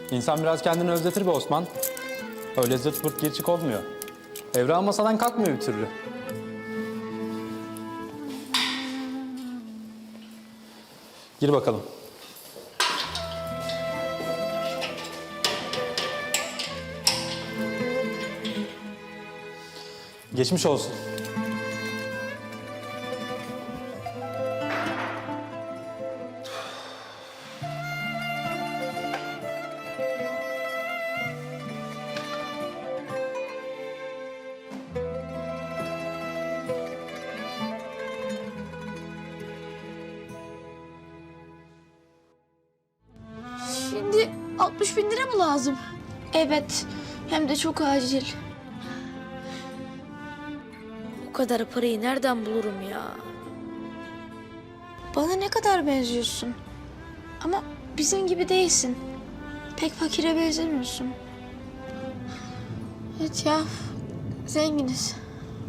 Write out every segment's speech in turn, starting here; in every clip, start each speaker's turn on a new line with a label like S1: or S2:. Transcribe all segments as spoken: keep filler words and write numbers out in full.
S1: İnsan biraz kendini özletir be Osman. Öyle zırt pırt gir çık olmuyor. Evra masadan kalkmıyor bir türlü. Gir bakalım. Geçmiş olsun.
S2: Şimdi altmış bin lira mı lazım? Evet, hem de çok acil. O kadar parayı nereden bulurum ya? Bana ne kadar benziyorsun. Ama bizim gibi değilsin. Pek fakire benzemiyorsun. Evet ya, zenginiz.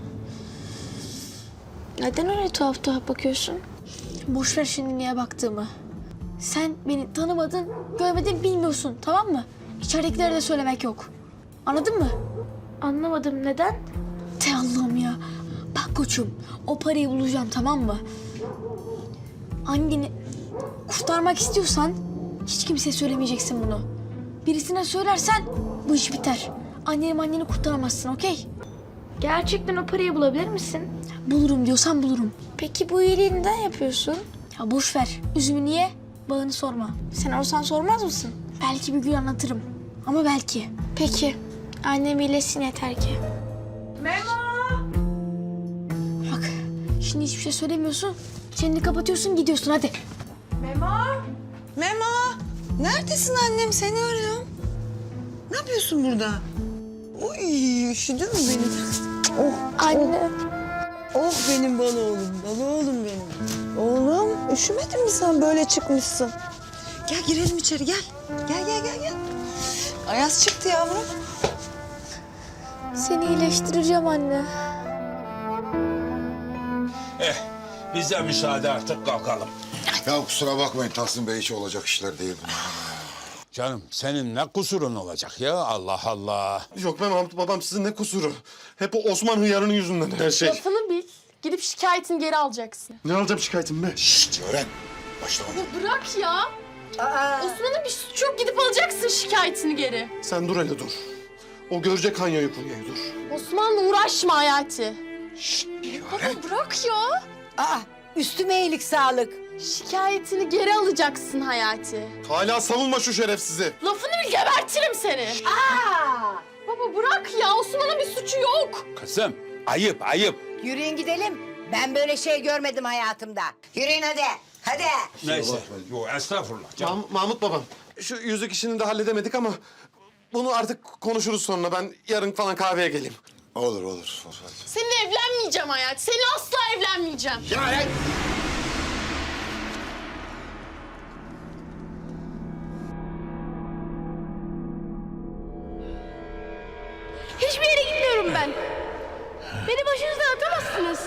S2: Neden öyle tuhaf tuhaf bakıyorsun? Boş ver şimdi niye baktığımı. Sen beni tanımadın, görmedin, bilmiyorsun, tamam mı? İçeridekilere de söylemek yok. Anladın mı? Anlamadım, neden? Te Allah'ım ya. Bak koçum, o parayı bulacağım, tamam mı? Anneni kurtarmak istiyorsan hiç kimseye söylemeyeceksin bunu. Birisine söylersen bu iş biter. Anneni anneni kurtaramazsın, okey? Gerçekten o parayı bulabilir misin? Bulurum diyorsan bulurum. Peki bu iyiliği neden yapıyorsun? Ya boş ver. Üzümü niye? Bağını sorma. Sen olsan sormaz mısın? Belki bir gün anlatırım. Ama belki. Peki. Annem iyileşsin yeter ki.
S3: Memo!
S2: Bak şimdi hiçbir şey söylemiyorsun. Çeneni kapatıyorsun gidiyorsun hadi.
S3: Memo!
S4: Memo, neredesin annem? Seni arıyorum. Ne yapıyorsun burada? Uy, üşüdün mü benim? Oh,
S2: Anne.
S4: oh benim bal oğlum, bal oğlum benim. Oğlum, üşümedin mi sen? Böyle çıkmışsın. Gel girelim içeri, gel. Gel, gel, gel, gel. Ayaz çıktı yavrum.
S2: Seni iyileştireceğim anne.
S5: Eh, bize müsaade artık kalkalım.
S6: Ya kusura bakmayın Tahsin Bey, hiç olacak işler değil bunlar.
S5: Canım senin ne kusurun olacak ya, Allah Allah.
S7: Yok be Mahmut babam, sizin ne kusuru? Hep o Osman hıyarının yüzünden her şey.
S3: Lafını bil. Gidip şikayetini geri alacaksın.
S7: Ne alacağım şikayetim be?
S6: Şşt öğren. Başlama.
S3: Bırak ya. Osman'ın bir suçu yok. Gidip alacaksın şikayetini geri.
S7: Sen dur hele dur. O görecek Hanya'yı kuryayı dur.
S3: Osman'la uğraşma Hayati.
S6: Öğren.
S3: Bırak ya.
S4: Aa, üstüme iyilik sağlık.
S3: Şikayetini geri alacaksın Hayati.
S7: Hala savunma şu şerefsizi.
S3: Lafını bil gebertirim seni.
S4: Aa,
S3: Baba bırak ya. Osman'ın bir suçu yok.
S5: Kızım, ayıp ayıp.
S8: Yürüyün gidelim. Ben böyle şey görmedim hayatımda. Yürüyün hadi. Hadi.
S5: Neyse, yok estağfurullah canım.
S7: Mah- Mahmut babam, şu yüzük işini de halledemedik ama... ...bunu artık konuşuruz sonra. Ben yarın falan kahveye geleyim.
S6: Olur olur. olur.
S3: Seninle evlenmeyeceğim Hayati. Seninle asla evlenmeyeceğim.
S5: Ya
S3: Hiçbir yere gitmiyorum ben. Beni başınızdan atamazsınız.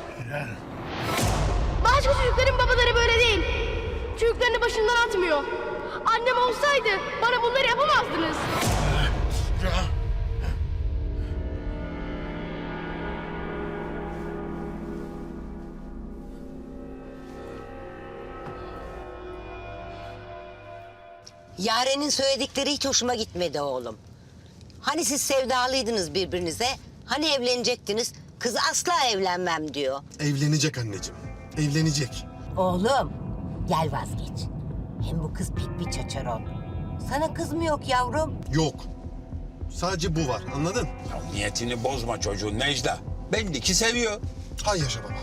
S3: Başka çocukların babaları böyle değil. Çocuklarını başından atmıyor. Annem olsaydı bana bunları yapamazdınız.
S8: Yaren'in söyledikleri hiç hoşuma gitmedi oğlum. Hani siz sevdalıydınız birbirinize? Hani evlenecektiniz? Kız asla evlenmem diyor.
S7: Evlenecek anneciğim. Evlenecek.
S8: Oğlum gel vazgeç. Hem bu kız pek bir çaçaron. Sana kız mı yok yavrum?
S7: Yok. Sadece bu var, anladın?
S5: Ya niyetini bozma çocuğun Necla. Belli ki seviyor.
S7: Hay yaşa baba.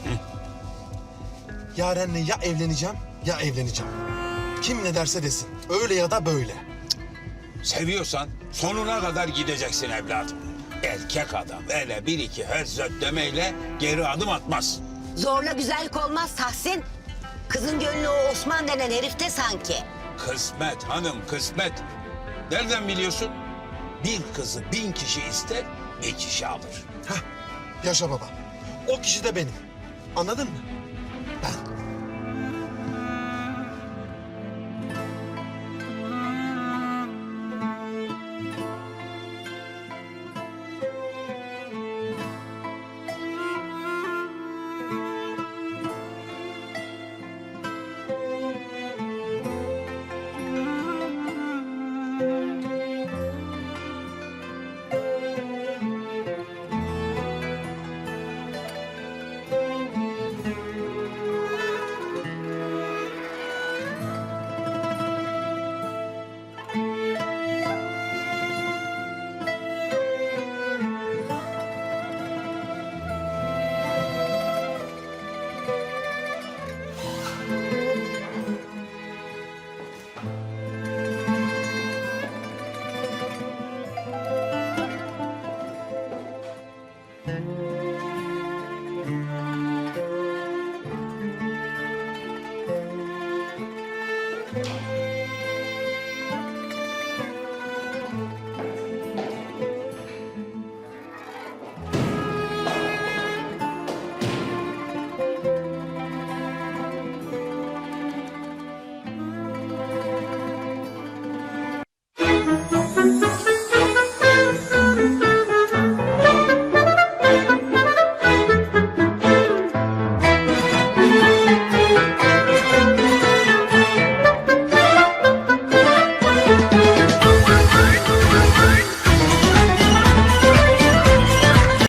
S7: Yaren'le ya evleneceğim ya evleneceğim. Kim ne derse desin. Öyle ya da böyle.
S5: Seviyorsan sonuna kadar gideceksin evladım. Erkek adam öyle bir iki hözzöt demeyle geri adım atmaz.
S8: Zorla güzellik olmaz Tahsin. Kızın gönlü o Osman denen herifte sanki.
S5: Kısmet hanım, kısmet. Nereden biliyorsun? Bir kızı bin kişi ister, bir kişi alır.
S7: Hah, yaşa baba. O kişi de benim. Anladın mı? Ben.